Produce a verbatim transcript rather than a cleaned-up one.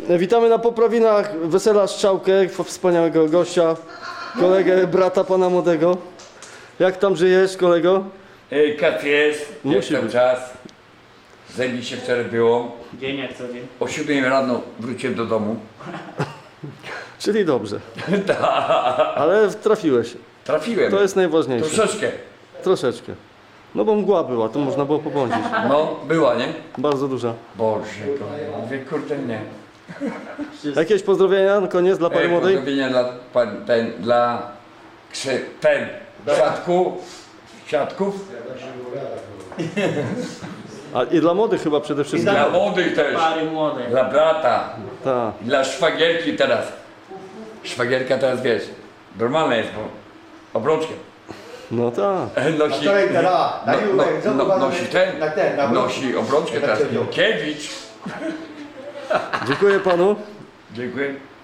Witamy na poprawinach wesela Strzałkę, wspaniałego gościa, kolegę, brata pana młodego. Jak tam żyjesz, kolego? Kat jest, Musi jest ten być. czas. Zajebiście wczoraj było. Dzień jak co dzień. O siódmej rano wróciłem do domu. Czyli dobrze. Tak. Ale trafiłeś. Trafiłem. To jest najważniejsze. Troszeczkę. Troszeczkę. No bo mgła była, to można było pobłądzić. No, była, nie? Bardzo duża. Boże, kochanie. Mówię, kurde, nie. Jakieś pozdrowienia na koniec dla pani Ej, młodej? pozdrowienia dla, pan, ten, dla krzy, ten, siatku, siatków. A i dla młodych chyba przede wszystkim. Dla młodych też. Pary młode. Dla brata. Tak. Dla szwagierki teraz. Szwagierka teraz, wiesz, normalna jest, bo obrączkę. No tak. Nosi, wczoraj teraz, na no, Jurek, no, no, zobacz, nosi ten, na ten, na nosi obrączkę teraz. Tak się wziął. Kiewicz. Dziękuję panu. Dziękuję.